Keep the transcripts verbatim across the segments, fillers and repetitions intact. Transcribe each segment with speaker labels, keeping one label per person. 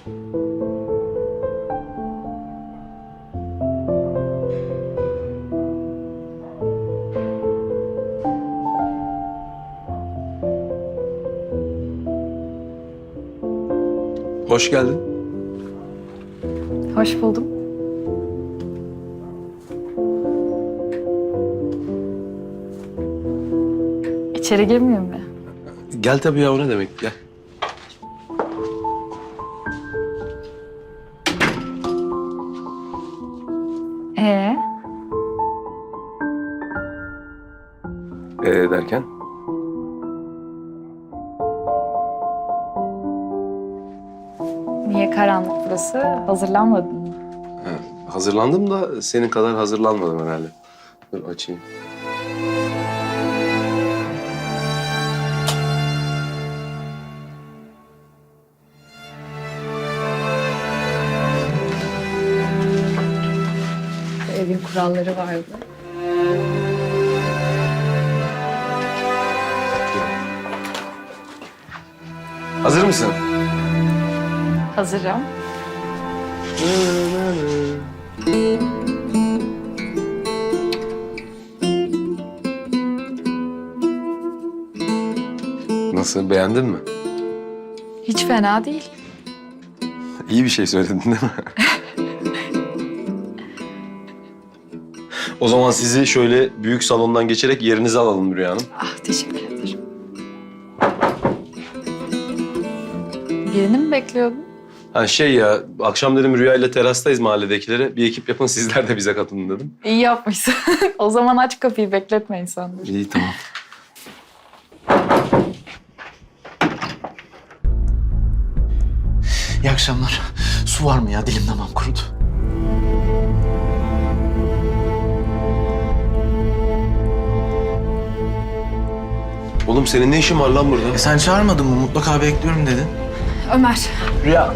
Speaker 1: Hoş geldin.
Speaker 2: Hoş buldum. İçeri girmeyeyim mi?
Speaker 1: Gel tabii ya, o ne demek, gel.
Speaker 2: Ee,
Speaker 1: Ee derken?
Speaker 2: niye karanlık burası? Hazırlanmadın mı?
Speaker 1: Ha, hazırlandım da senin kadar hazırlanmadım herhalde. Dur açayım.
Speaker 2: Evin kuralları vardı.
Speaker 1: Hazır mısın?
Speaker 2: Hazırım.
Speaker 1: Nasıl, beğendin mi?
Speaker 2: Hiç fena değil.
Speaker 1: İyi bir şey söyledin değil mi? O zaman sizi şöyle büyük salondan geçerek yerinize alalım Rüya Hanım.
Speaker 2: Ah, teşekkür ederim. Birini mi bekliyordun?
Speaker 1: Ha şey ya, akşam dedim Rüya ile terastayız mahalledekilere. Bir ekip yapın, sizler de bize katılın dedim.
Speaker 2: İyi yapmışsın. O zaman aç kapıyı, bekletme insanları.
Speaker 1: İyi, tamam.
Speaker 3: İyi akşamlar. Su var mı ya? Dilim damağım kurudu.
Speaker 1: Oğlum senin ne işin var lan burada?
Speaker 3: E sen çağırmadın mı? Mutlaka bekliyorum dedin.
Speaker 2: Ömer,
Speaker 3: Rüya.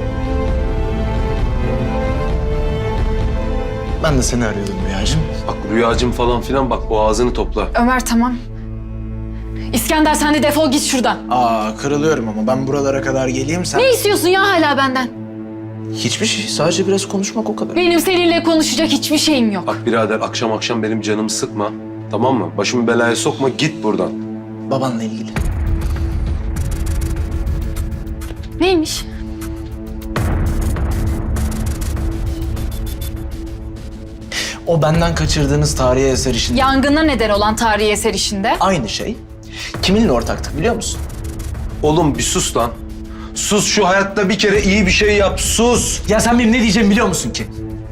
Speaker 3: Ben de seni arıyordum Rüyacığım.
Speaker 1: Bak Rüyacığım falan filan, bak boğazını topla.
Speaker 2: Ömer tamam. İskender sen de defol git şuradan.
Speaker 3: Aa kırılıyorum ama ben buralara kadar geleyim sen...
Speaker 2: Ne istiyorsun ya hala benden?
Speaker 3: Hiçbir şey. Sadece biraz konuşmak o kadar.
Speaker 2: Benim seninle konuşacak hiçbir şeyim yok.
Speaker 1: Bak birader, akşam akşam benim canımı sıkma. Tamam mı? Başımı belaya sokma, git buradan.
Speaker 3: Babanla ilgili.
Speaker 2: Neymiş?
Speaker 3: O benden kaçırdığınız tarihi eser işinde...
Speaker 2: Yangına neden olan tarihi eser işinde.
Speaker 3: Aynı şey. Kiminle ortaktık biliyor musun?
Speaker 1: Oğlum bir sus lan. Sus, şu hayatta bir kere iyi bir şey yap, sus.
Speaker 3: Ya sen benim ne diyeceğimi biliyor musun ki?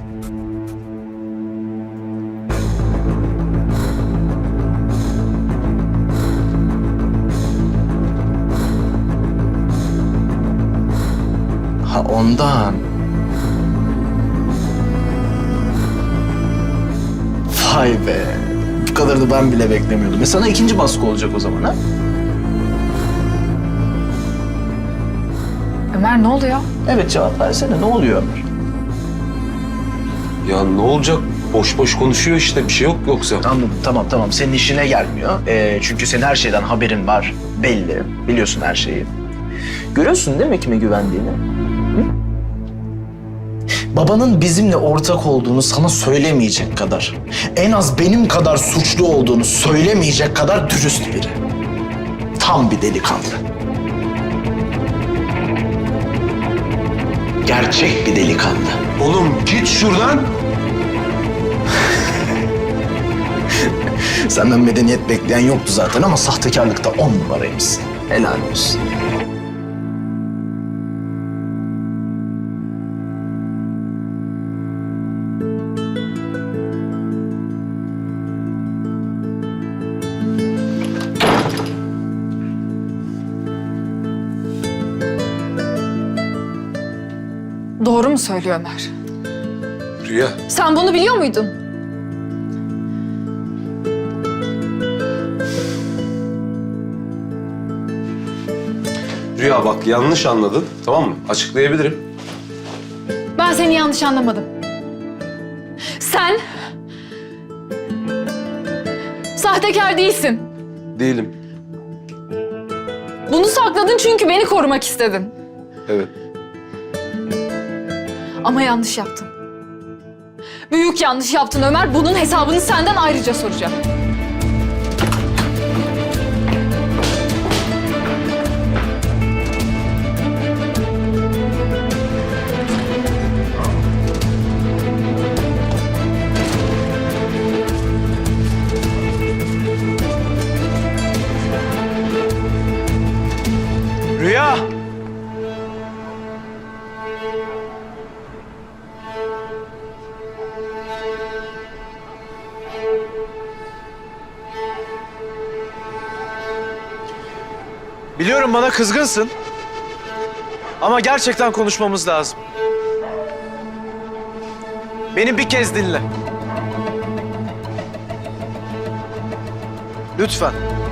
Speaker 3: Ha ondan. Vay be. Bu kadarını ben bile beklemiyordum. E sana ikinci baskı olacak o zaman ha?
Speaker 2: Ömer ne oluyor?
Speaker 3: Evet cevap versene. Ne oluyor Ömer?
Speaker 1: Ya ne olacak? Boş boş konuşuyor işte, bir şey yok yoksa.
Speaker 3: Anladım. Tamam tamam. Senin işine gelmiyor. Ee, çünkü senin her şeyden haberin var. Belli. Biliyorsun her şeyi. Görüyorsun değil mi kime güvendiğini? Hı? Babanın bizimle ortak olduğunu sana söylemeyecek kadar, en az benim kadar suçlu olduğunu söylemeyecek kadar dürüst biri. Tam bir delikanlı. Gerçek bir delikanlı.
Speaker 1: Oğlum git şuradan.
Speaker 3: Senden medeniyet bekleyen yoktu zaten ama sahtekarlıkta on numaraymışsın. Helal olsun.
Speaker 2: Doğru mu söylüyor Ömer?
Speaker 1: Rüya.
Speaker 2: Sen bunu biliyor muydun?
Speaker 1: Rüya bak, yanlış anladın, tamam mı? Açıklayabilirim.
Speaker 2: Ben seni yanlış anlamadım. Sen sahtekar değilsin.
Speaker 1: Değilim.
Speaker 2: Bunu sakladın çünkü beni korumak istedin.
Speaker 1: Evet.
Speaker 2: Ama yanlış yaptın. Büyük yanlış yaptın Ömer. Bunun hesabını senden ayrıca soracağım.
Speaker 3: Rüya! Biliyorum bana kızgınsın. Ama gerçekten konuşmamız lazım. Beni bir kez dinle. Lütfen.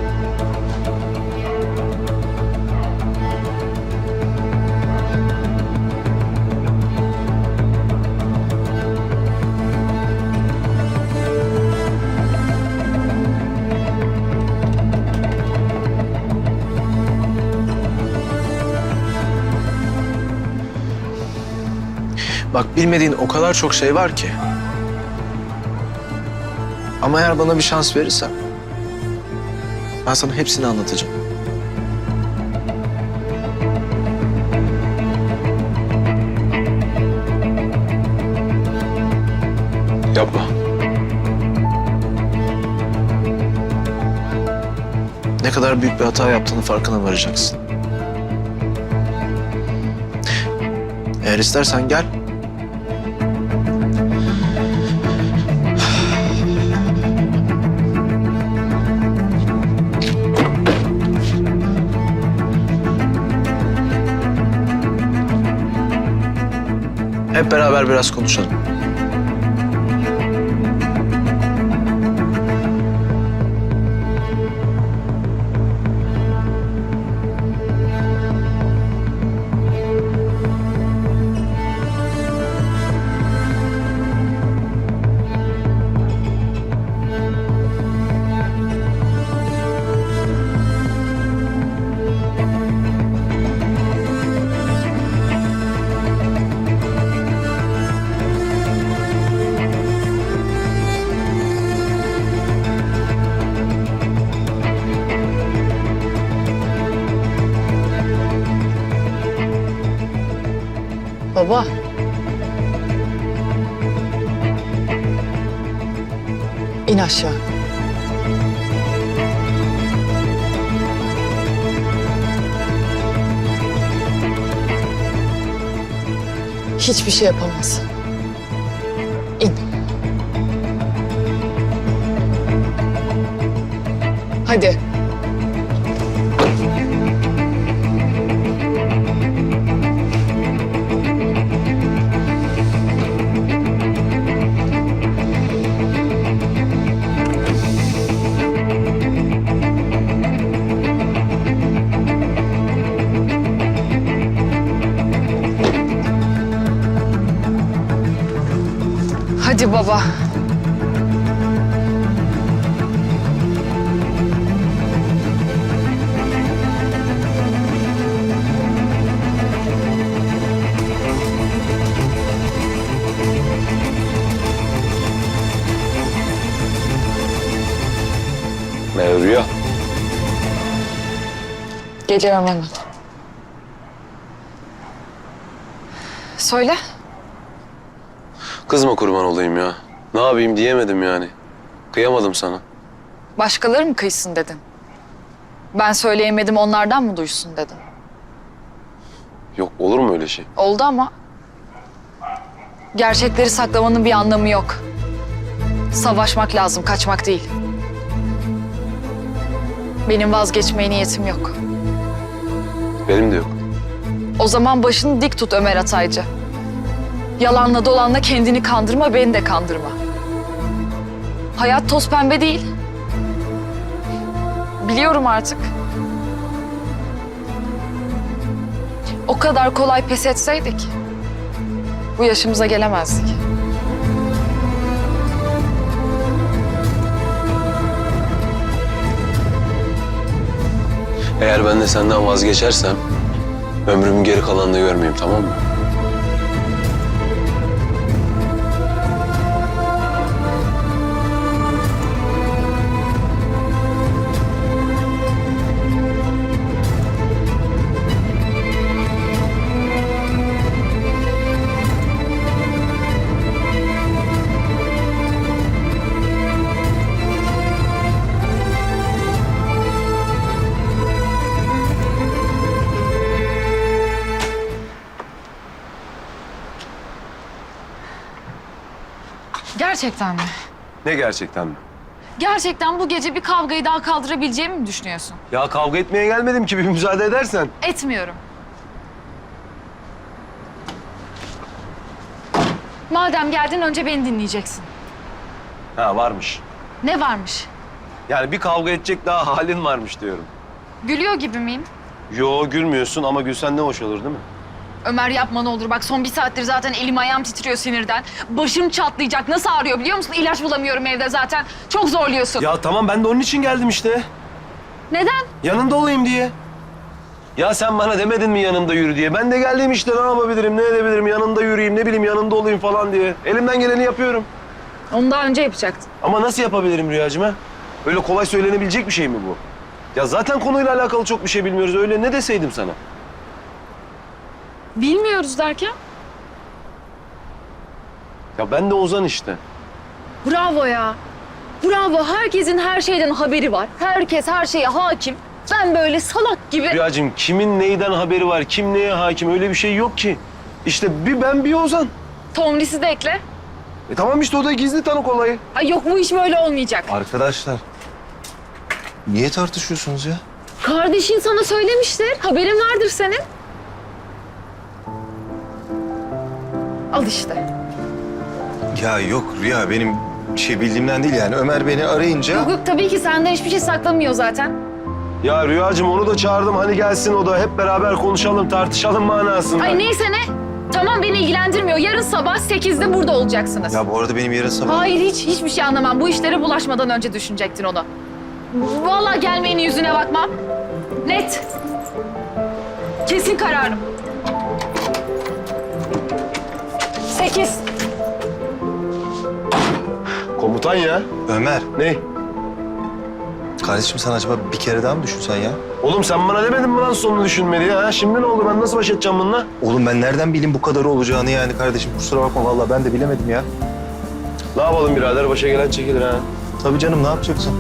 Speaker 3: Bak bilmediğin o kadar çok şey var ki. Ama eğer bana bir şans verirsen ben sana hepsini anlatacağım.
Speaker 1: Yapma.
Speaker 3: Ne kadar büyük bir hata yaptığını farkına varacaksın. Eğer istersen gel. Hep beraber biraz konuşalım.
Speaker 4: Baba. İn aşağı. Hiçbir şey yapamaz. İn. Hadi. Hadi baba.
Speaker 1: Merhaba Rüya.
Speaker 4: Geliyorum hemen. Söyle.
Speaker 1: Kızma kurban olayım ya. Ne yapayım diyemedim yani. Kıyamadım sana.
Speaker 4: Başkaları mı kıysın dedin? Ben söyleyemedim onlardan mı duysun dedin?
Speaker 1: Yok olur mu öyle şey?
Speaker 4: Oldu ama. Gerçekleri saklamanın bir anlamı yok. Savaşmak lazım, kaçmak değil. Benim vazgeçmeye niyetim yok.
Speaker 1: Benim de yok.
Speaker 4: O zaman başını dik tut Ömer Ataycı. Yalanla dolanla kendini kandırma, beni de kandırma. Hayat toz pembe değil. Biliyorum artık. O kadar kolay pes etseydik, bu yaşımıza gelemezdik.
Speaker 1: Eğer ben de senden vazgeçersem ömrümün geri kalanını görmeyeyim, tamam mı?
Speaker 4: Gerçekten mi?
Speaker 1: Ne gerçekten mi?
Speaker 4: Gerçekten bu gece bir kavgayı daha kaldırabileceğimi mi düşünüyorsun?
Speaker 1: Ya kavga etmeye gelmedim ki bir müsaade edersen.
Speaker 4: Etmiyorum. Madem geldin önce beni dinleyeceksin.
Speaker 1: Ha varmış.
Speaker 4: Ne varmış?
Speaker 1: Yani bir kavga edecek daha halin varmış diyorum.
Speaker 4: Gülüyor gibi miyim?
Speaker 1: Yo gülmüyorsun ama gülsen ne hoş olur değil mi?
Speaker 4: Ömer yapma ne olur. Bak son bir saattir zaten elim ayağım titriyor sinirden. Başım çatlayacak. Nasıl ağrıyor biliyor musun? İlaç bulamıyorum evde zaten. Çok zorluyorsun.
Speaker 1: Ya tamam ben de onun için geldim işte.
Speaker 4: Neden?
Speaker 1: Yanında olayım diye. Ya sen bana demedin mi yanında yürü diye? Ben de geldim işte ne yapabilirim, ne edebilirim, yanında yürüyeyim, ne bileyim yanında olayım falan diye. Elimden geleni yapıyorum.
Speaker 4: Onu daha önce yapacaktın.
Speaker 1: Ama nasıl yapabilirim Rüyacığım ha? Öyle kolay söylenebilecek bir şey mi bu? Ya zaten konuyla alakalı çok bir şey bilmiyoruz. Öyle ne deseydim sana?
Speaker 4: Bilmiyoruz derken?
Speaker 1: Ya ben de Ozan işte.
Speaker 4: Bravo ya. Bravo. Herkesin her şeyden haberi var. Herkes her şeye hakim. Ben böyle salak gibi...
Speaker 1: Rüyacığım kimin neyden haberi var, kim neye hakim öyle bir şey yok ki. İşte bir ben bir Ozan.
Speaker 4: Tomris'i de ekle.
Speaker 1: E tamam işte o da gizli tanık olayı.
Speaker 4: Ay yok bu iş böyle olmayacak.
Speaker 5: Arkadaşlar, niye tartışıyorsunuz ya?
Speaker 4: Kardeşin sana söylemiştir. Haberin vardır senin. Al işte.
Speaker 5: Ya yok Rüya, benim şey bildiğimden değil yani. Ömer beni arayınca...
Speaker 4: Yok yok tabii ki senden hiçbir şey saklamıyor zaten.
Speaker 1: Ya Rüyacığım onu da çağırdım hani gelsin o da hep beraber konuşalım tartışalım manasında.
Speaker 4: Ay neyse ne. Tamam beni ilgilendirmiyor. Yarın sabah sekizde burada olacaksınız.
Speaker 5: Ya bu arada benim yarın sabah...
Speaker 4: Hayır hiç hiçbir şey anlamam. Bu işlere bulaşmadan önce düşünecektin onu. Vallahi gelmeyeni yüzüne bakmam. Net. Kesin kararım. Sekiz.
Speaker 1: Komutan ya.
Speaker 5: Ömer,
Speaker 1: Ne?
Speaker 5: kardeşim sen acaba bir kere daha mı düşünsen ya?
Speaker 1: Oğlum sen bana demedin mi lan sonunu düşünme diye ha? Şimdi ne oldu ben nasıl baş edeceğim bununla?
Speaker 5: Oğlum ben nereden bileyim bu kadar olacağını yani kardeşim? Kusura bakma vallahi ben de bilemedim ya.
Speaker 1: Ne yapalım birader başa gelen çekilir ha.
Speaker 5: Tabii canım ne yapacaksın?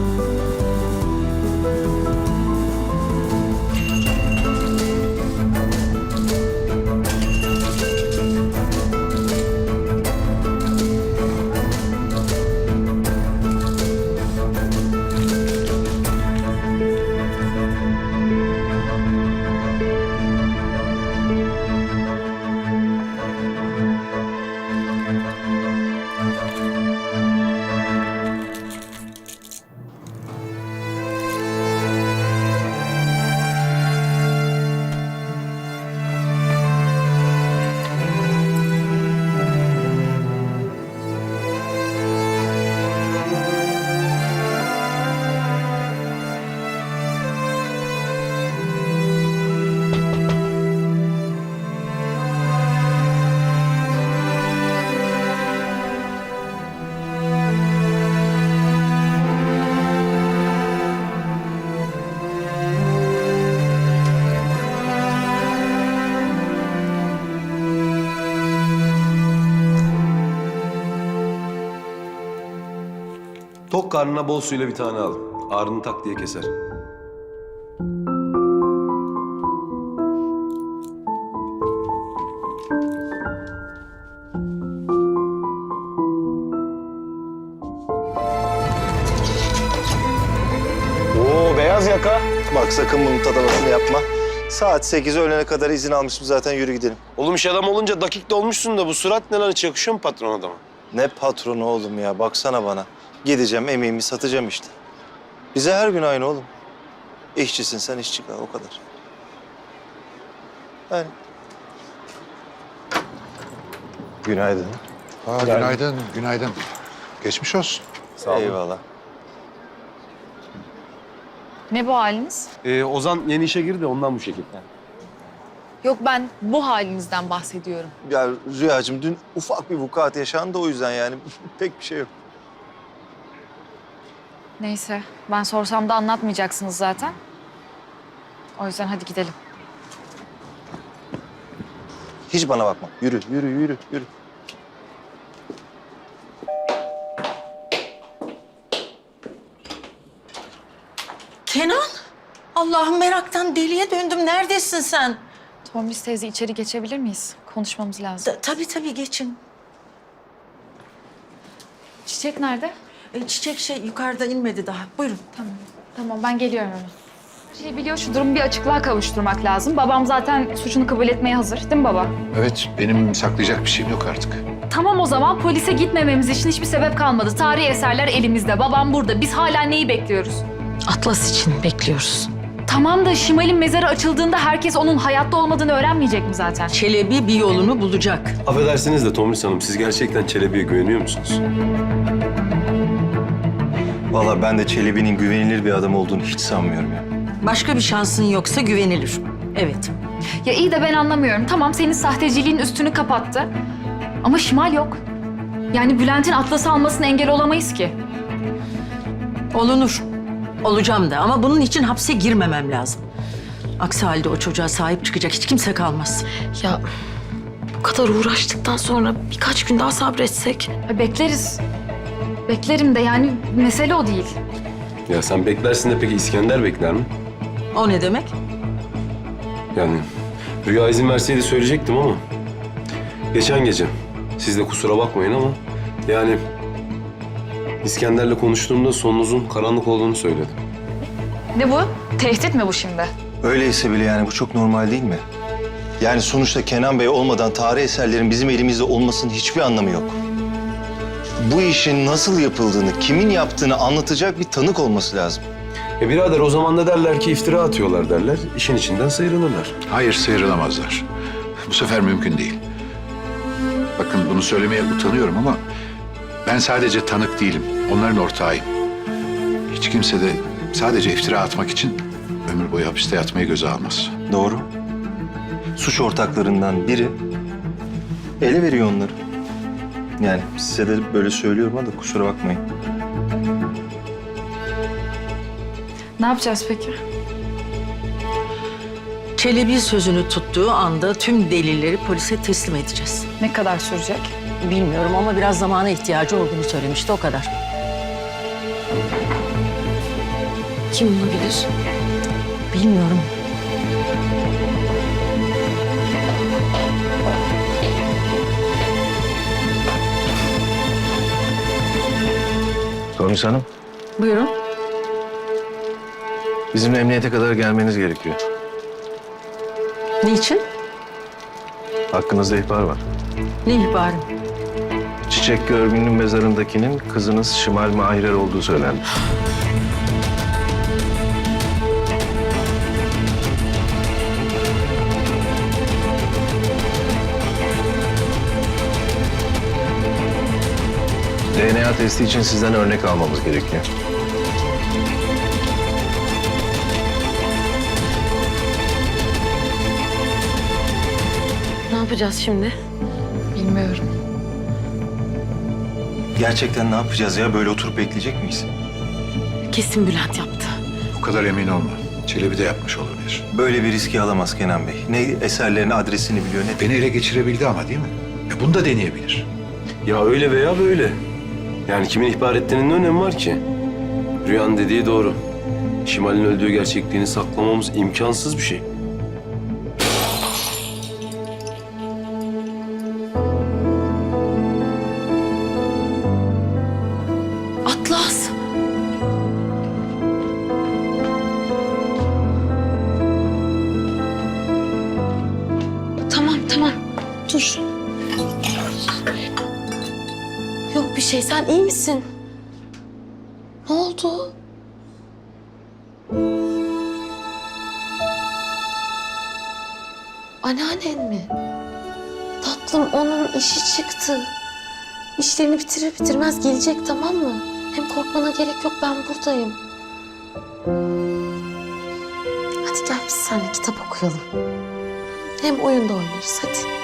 Speaker 1: Tok karnına bol suyla bir tane al. Ağrını tak diye keser. Oo beyaz yaka.
Speaker 5: Bak sakın bunun tadavasını yapma. Saat sekiz öğlene kadar izin almışım zaten, yürü gidelim.
Speaker 1: Oğlum iş adam olunca dakikte olmuşsun da bu surat ne lan hiç yakışıyor mu patron adama?
Speaker 5: Ne patronu oğlum ya, baksana bana. Gideceğim, emeğimi satacağım işte. Bize her gün aynı oğlum. İşçisin sen, işçi kal, o kadar. Yani. Günaydın.
Speaker 6: Aa, günaydın, günaydın. Geçmiş olsun.
Speaker 1: Sağ olun.
Speaker 5: Eyvallah.
Speaker 4: Ne bu haliniz?
Speaker 1: Ee, Ozan yeni işe girdi de ondan bu şekilde.
Speaker 4: Yok ben bu halinizden bahsediyorum.
Speaker 5: Ya Rüyacığım dün ufak bir vukuat yaşandı, o yüzden yani pek bir şey yok.
Speaker 4: Neyse ben sorsam da anlatmayacaksınız zaten. O yüzden hadi gidelim.
Speaker 5: Hiç bana bakma. Yürü, yürü, yürü, yürü.
Speaker 7: Kenan, Allah'ım meraktan deliye döndüm. Neredesin sen?
Speaker 4: Tomris teyze içeri geçebilir miyiz? Konuşmamız lazım.
Speaker 7: Ta- tabii tabii geçin.
Speaker 2: Çiçek nerede?
Speaker 7: E, çiçek şey yukarıda inmedi daha. Buyurun.
Speaker 2: Tamam. Tamam ben geliyorum hemen. Şey biliyor şu durumu bir açıklığa kavuşturmak lazım. Babam zaten suçunu kabul etmeye hazır değil mi baba?
Speaker 6: Evet, benim saklayacak bir şeyim yok artık.
Speaker 2: Tamam o zaman polise gitmememiz için hiçbir sebep kalmadı. Tarihi eserler elimizde. Babam burada. Biz hala neyi bekliyoruz?
Speaker 7: Atlas için bekliyoruz.
Speaker 2: Tamam da Şimal'in mezarı açıldığında herkes onun hayatta olmadığını öğrenmeyecek mi zaten?
Speaker 7: Çelebi bir yolunu bulacak.
Speaker 1: Affedersiniz de Tomris Hanım, siz gerçekten Çelebi'ye güveniyor musunuz?
Speaker 5: Vallahi ben de Çelebi'nin güvenilir bir adam olduğunu hiç sanmıyorum ya.
Speaker 7: Başka bir şansın yoksa güvenilir. Evet.
Speaker 2: Ya iyi de ben anlamıyorum. Tamam senin sahteciliğin üstünü kapattı. Ama Şimal yok. Yani Bülent'in Atlas'ı almasına engel olamayız ki.
Speaker 7: Olunur. Olacağım da ama bunun için hapse girmemem lazım. Aksi halde o çocuğa sahip çıkacak hiç kimse kalmaz.
Speaker 8: Ya bu kadar uğraştıktan sonra birkaç gün daha sabretsek.
Speaker 2: Ya bekleriz. Beklerim de yani mesele o değil.
Speaker 1: Ya sen beklersin de peki İskender bekler mi?
Speaker 7: O ne demek?
Speaker 1: Yani Rüya izin verseydi söyleyecektim ama... Geçen gece, siz de kusura bakmayın ama... Yani İskender'le konuştuğumda sonunuzun karanlık olduğunu söyledi.
Speaker 2: Ne bu? Tehdit mi bu şimdi?
Speaker 5: Öyleyse bile yani bu çok normal değil mi? Yani sonuçta Kenan Bey olmadan tarih eserlerin bizim elimizde olmasının hiçbir anlamı yok. Bu işin nasıl yapıldığını, kimin yaptığını anlatacak bir tanık olması lazım.
Speaker 1: E birader o zaman da derler ki iftira atıyorlar derler. İşin içinden sıyrılırlar.
Speaker 6: Hayır, sıyrılamazlar. Bu sefer mümkün değil. Bakın bunu söylemeye utanıyorum ama ben sadece tanık değilim. Onların ortağıyım. Hiç kimse de sadece iftira atmak için ömür boyu hapiste yatmayı göze almaz.
Speaker 5: Doğru. Suç ortaklarından biri ele veriyor onları. Yani size de böyle söylüyorum ama da kusura bakmayın.
Speaker 2: Ne yapacağız peki?
Speaker 7: Çelebi sözünü tuttuğu anda tüm delilleri polise teslim edeceğiz.
Speaker 2: Ne kadar sürecek?
Speaker 7: Bilmiyorum ama biraz zamana ihtiyacı olduğunu söylemişti o kadar.
Speaker 8: Kim olabilir?
Speaker 7: Bilmiyorum.
Speaker 1: Tomris Hanım,
Speaker 7: Buyurun.
Speaker 1: bizimle emniyete kadar gelmeniz gerekiyor.
Speaker 7: Niçin?
Speaker 1: Hakkınızda ihbar var.
Speaker 7: Ne ihbarı?
Speaker 1: Çiçek Görgün'ün mezarındakinin kızınız Şimal Mahirer olduğu söylendi. D N A testi için sizden örnek almamız gerekiyor.
Speaker 8: Ne yapacağız şimdi?
Speaker 2: Bilmiyorum.
Speaker 5: Gerçekten ne yapacağız ya? Böyle oturup bekleyecek miyiz?
Speaker 8: Kesin Bülent yaptı.
Speaker 6: O kadar emin olma. Çelebi de yapmış olabilir.
Speaker 5: Böyle bir riski alamaz Kenan Bey. Ne eserlerin adresini biliyor ne...
Speaker 6: Beni ele geçirebildi ama değil mi? E bunu da deneyebilir.
Speaker 1: Ya öyle veya böyle. Yani kimin ihbar ettiğinin ne önemi var ki? Rüyanın dediği doğru. Şimal'in öldüğü gerçekliğini saklamamız imkansız bir şey.
Speaker 8: Atlas. Tamam tamam. Dur. Yok bir şey. Sen iyi misin? Ne oldu? Anneannen mi? Tatlım onun işi çıktı. İşlerini bitirir bitirmez gelecek tamam mı? Hem korkmana gerek yok ben buradayım. Hadi gel biz seninle kitap okuyalım. Hem oyun da oynarız hadi.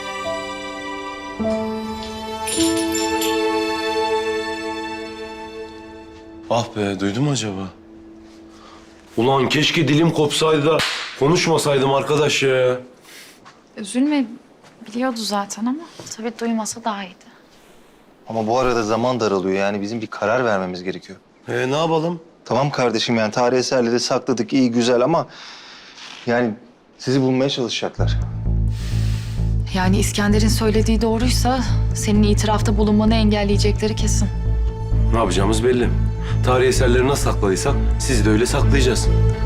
Speaker 1: Ah be, duydun mu acaba? Ulan keşke dilim kopsaydı da konuşmasaydım arkadaş ya.
Speaker 2: Üzülme. Biliyordu zaten ama tabii duymasa daha iyiydi.
Speaker 5: Ama bu arada zaman daralıyor. Yani bizim bir karar vermemiz gerekiyor.
Speaker 1: E ne yapalım?
Speaker 5: Tamam kardeşim yani tarih eserleri sakladık iyi güzel ama... Yani sizi bulmaya çalışacaklar.
Speaker 2: Yani İskender'in söylediği doğruysa senin itirafta bulunmanı engelleyecekleri kesin.
Speaker 1: Ne yapacağımız belli. Tarihi eserleri nasıl sakladıysak sizi de öyle saklayacağız.